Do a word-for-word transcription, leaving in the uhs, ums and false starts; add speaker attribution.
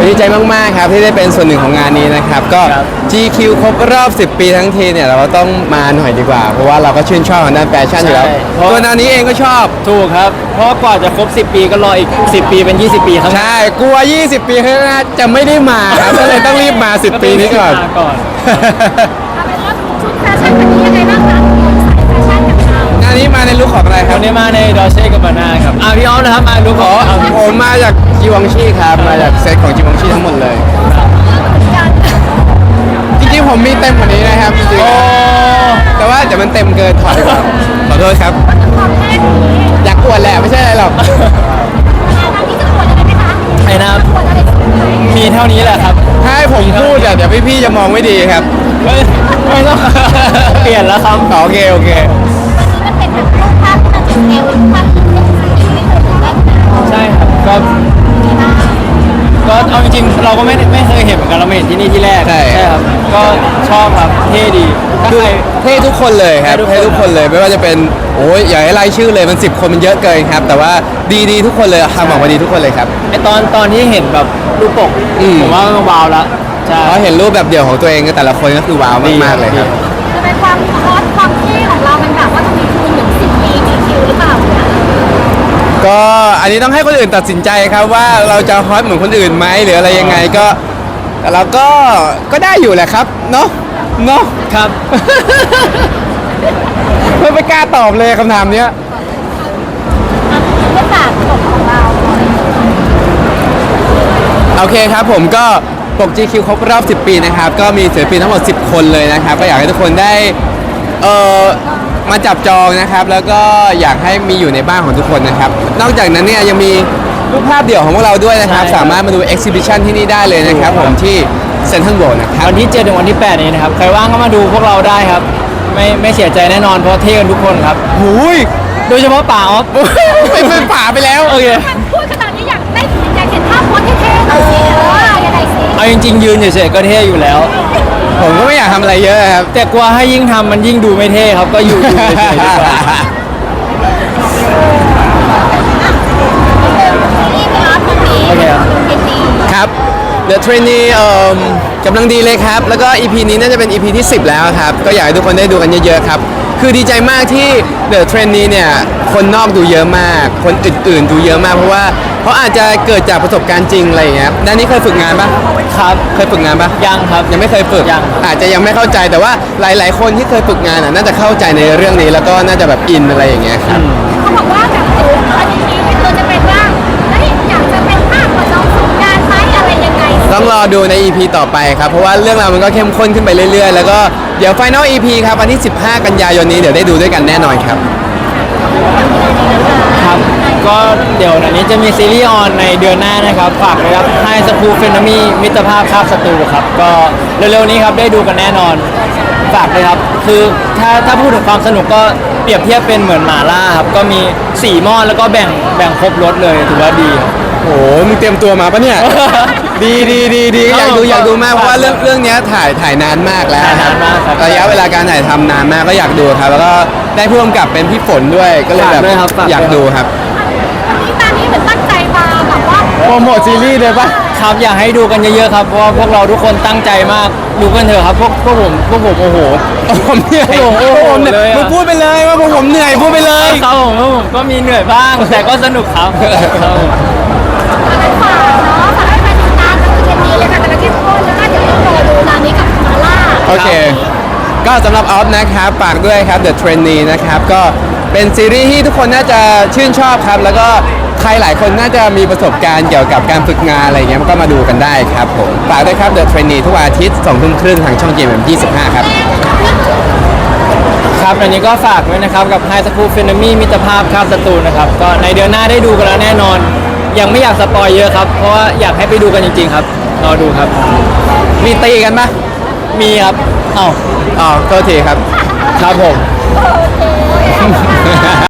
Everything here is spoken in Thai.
Speaker 1: ดีใจมากๆครับที่ได้เป็นส่วนหนึ่งของงานนี้นะครับก็ จี คิว ครบรอบสิบปีทั้งทีเนี่ยเราก็ต้องมาหน่อยดีกว่าเพราะว่าเราก็ชื่นชอบทางด้านแฟชั่นอยู่แล้วตัวนานี้เองก็ชอบ
Speaker 2: ถูกครับเพราะกว่าจะครบสิบปีก็รออีกสิบปีเป็นยี่สิบปีครับ
Speaker 1: ใช่กลัวยี่สิบปีข้างหน้าจะไม่ได้มาครับก็เลยต้องรีบมาสิบปีนี้ก่อน
Speaker 2: ก่อน
Speaker 3: เอาเป็นว่าชุดแฟชั่นวันนี้ยังไงบ้างคะสายแฟชั่นกับเรา
Speaker 1: งานนี้มาในลุคของอะไรครับ
Speaker 2: วันนี้มาในดอเช่กับบานาครับอ่ะพี่อ้อมนะครับมาลุคของ
Speaker 1: ผมมาจากจีวองชีครับมาจากเซตของจีวองชีทั้งหมดเลยจริงๆผมมีเต็มกว่านี้นะครับจริงๆแต่ว่าเดี๋ยวมันเต็มเกินถอดดีกว่าขอโทษครับอยากอวดแหละไม่ใช่อะไรหรอก
Speaker 2: ไอ้น้ำมีเท่านี้แหละครับ
Speaker 1: ถ้าให้ผมพูดเดี๋ยวพี่ๆจะมองไม่ดีครับ
Speaker 2: ไม่ไม่ต้องเปลี่ยนแล้วครับ
Speaker 1: โอเคโอเค
Speaker 3: มันเป็นแบบรูปภาพที่มันเป็นเอวภาพที่เป็นสีไม่เคยถูกได้
Speaker 2: ใช่ครับก็ก็เอาจริงๆเราก็ไม่ไม่เคยเห็นเหมือนกันเราไม่เห็นที่นี่ที่แรก
Speaker 1: ใช่
Speaker 2: ครับก็ชอบครับเท่ดีถ้าใคร
Speaker 1: เท่ทุกคนเลยครับเท่ทุกคนเลยไม่ว่าจะเป็นโอ้ยอย่าให้ไล่ชื่อเลยมันสิบคนมันเยอะเกินครับแต่ว่าดีดีทุกคนเลยทำออกมาดีทุกคนเลยครับ
Speaker 2: ไอตอนตอนที่เห็นแบบรูปปกผมว่ามันว้าวแล้ว
Speaker 1: ใช่เพราะเห็นรูปแบบเดี่ยวของตัวเองแต่ละคนก็คือว้าวมากๆเลยครับ
Speaker 3: จะเป็นความฮอตความเท่ของเรามันแบบว่าจะมีคูณถึงสิบปีจีคิวหรือเปล่า
Speaker 1: ก็อันนี้ต้องให้คนอื่นตัดสินใจครับว่าเราจะฮอตเหมือนคนอื่นไหมหรืออะไรยังไงก็แต่เราก็ก็ได้อยู่แหละครับเนาะเนาะ
Speaker 2: ครับ
Speaker 1: ไม่ไม่กล้าตอบเลยคำถามเนี้ย
Speaker 3: เรื่องฝากของเรา
Speaker 1: โอเคครับผมก็ปก จี คิว ครบรอบสิบปีนะครับก็มีศิลปินทั้งหมดสิบคนเลยนะครับก็อยากให้ทุกคนได้เอ่อมาจับจองนะครับแล้วก็อยากให้มีอยู่ในบ้านของทุกคนนะครับนอกจากนั้นเนี่ยยังมีรูปภาพเดี่ยวของพวกเราด้วยนะครับสามารถมาดู exhibition ที่นี่ได้เลยนะครับผมที่เซ็นทรัลเวิลด์นะครับ
Speaker 2: วันที่เจ็ดถึงวันที่แปดนี้นะครับใครว่างก็มาดูพวกเราได้ครับไม่ไม่เสียใจแน่นอนเพราะเท่กันทุกคนครับ
Speaker 1: หูย
Speaker 2: โดยเฉพาะป่าออฟ
Speaker 1: ไปเป็นป่าไปแล้ว
Speaker 2: โอเค
Speaker 3: พูดขนาดนี้อยากได้อยากเห็นภาพโพสเท่ๆหน่อยสิเออยังไงสิ
Speaker 2: เอาจริงๆยืนเฉยๆก็เท่อยู่แล้ว
Speaker 1: ผมก็ไม่อยากทำอะไรเยอะครับ
Speaker 2: แต่กลัวให้ยิ่งทำมันยิ่งดูไม่เท่ครับก็อยู่อยู่เฉยๆดีกว่า
Speaker 3: โอเค
Speaker 1: ครับ The Trainee เอ่อกำลังดีเลยครับแล้วก็ อี พี นี้น่าจะเป็น อี พี ที่สิบแล้วครับก็อยากให้ทุกคนได้ดูกันเยอะๆครับคือดีใจมากที่ The Trainee เนี่ยคนนอกดูเยอะมากคนอื่นๆดูเยอะมากเพราะว่าเพราะอาจจะเกิดจากประสบการณ์จริงอะไรอย่างเงี้ยด้านนี้เคยฝึกงานปะ
Speaker 2: ครับ
Speaker 1: เคยฝึกงานปะ
Speaker 2: ยังครับ
Speaker 1: ยังไม่เคยฝึก
Speaker 2: ยัง
Speaker 1: อาจจะยังไม่เข้าใจแต่ว่าหลายๆคนที่เคยฝึกงานน่าจะเข้าใจในเรื่องนี้แล้วก็น่าจะแบบอินอะไรอย่างเงี้ยครับ
Speaker 3: เขาบอกว่าแบบอันนี้คือจะเป็นว่าแล้วอยากจะเป็นภาคประจำฝึกงานไหมอะไรยังไง
Speaker 1: ต้องรอดูใน อี พี ต่อไปครับเพราะว่าเรื่องราวมันก็เข้มข้นขึ้นไปเรื่อยๆแล้วก็เดี๋ยว Final อี พี ครับวันที่สิบห้ากันยายนนี้เดี๋ยวได้ดูด้วยกันแน่นอนครับ
Speaker 2: ครับก็เดี๋ยวอันนี้จะมีซีรีส์ออนในเดือนหน้านะครับฝากเลยครับไฮสคูลเฟนมีมิตรภาพคาบศัตรูครับก็เร็วๆนี้ครับได้ดูกันแน่นอนฝากเลยครับคือถ้าถ้าพูดถึงความสนุกก็เปรียบเทียบเป็นเหมือนหม่าล่าครับก็มีสี่หม้อแล้วก็แบ่งแบ่งครบรสเลยถือว่าดี
Speaker 1: โอ้โหมึงเตรียมตัวมาปะเนี่ยดีดีดีดีอยากดูอยากดูมากเพราะว่าเรื่องเรื่องนี้ถ่ายถ่ายนานมากแล้วระยะเวลาการถ่ายทำนานมากก็อยากดูครับแล้วก็ได้ผู้กำกับเป็นพี่ฝนด้วยก็เลยแบบอยากดูครับ
Speaker 3: วันนี้ตอนนี้เหมือนตั้งใจมาแบบว่า
Speaker 1: โปรโมทซีรีส์เลยปะ
Speaker 2: ครับอยากให้ดูกันเยอะๆครับเพราะว่าพวกเราทุกคนตั้งใจมากดูกันเถอะครับพวกพวกผมพวกผมโอ้โห
Speaker 1: ผมเหนื่อย
Speaker 2: โอ้โหเลย
Speaker 1: มึงพูดไปเลยว่าพวกผมเหนื่อยพูดไปเลย
Speaker 2: ครับผมก็มีเหนื่อยบ้างแต่ก็สนุกครับ
Speaker 3: อะไรฝากเนาะฝากให้แฟนติดตามกันทุกเย็นนี้เลยค่ะแต่ละที่โพสแล้วก็เดี๋ยวต้องรอดูนานี้กับมาล่า
Speaker 1: โอเคก็สำหรับออฟนะครับฝากด้วยครับ The Trainee นะครับก็เป็นซีรีส์ที่ทุกคนน่าจะชื่นชอบครับแล้วก็ใครหลายคนน่าจะมีประสบการณ์เกี่ยวกับการฝึกงานอะไรเงี้ยก็มาดูกันได้ครับผมฝากด้วยครับ The Trainee ทุกวันอาทิตย์สองทุ่มครึ่งทางช่อง จี เอ็ม เอ็ม ยี่สิบห้าครับ
Speaker 2: ครับอันนี้ก็ฝากไว้นะครับกับไฮสคูลเฟนมีมิตรภาพคาบศัตรูนะครับก็ในเดือนหน้าได้ดูกันแล้วแน่นอนยังไม่อยากสปอยเยอะครับเพราะว่าอยากให้ไปดูกันจริงๆครับรอดูครับ
Speaker 1: มีตีกันปะ
Speaker 2: มีครับอ้าว
Speaker 1: อ๋อโทษทีครับ
Speaker 2: ครับผม
Speaker 3: โอเค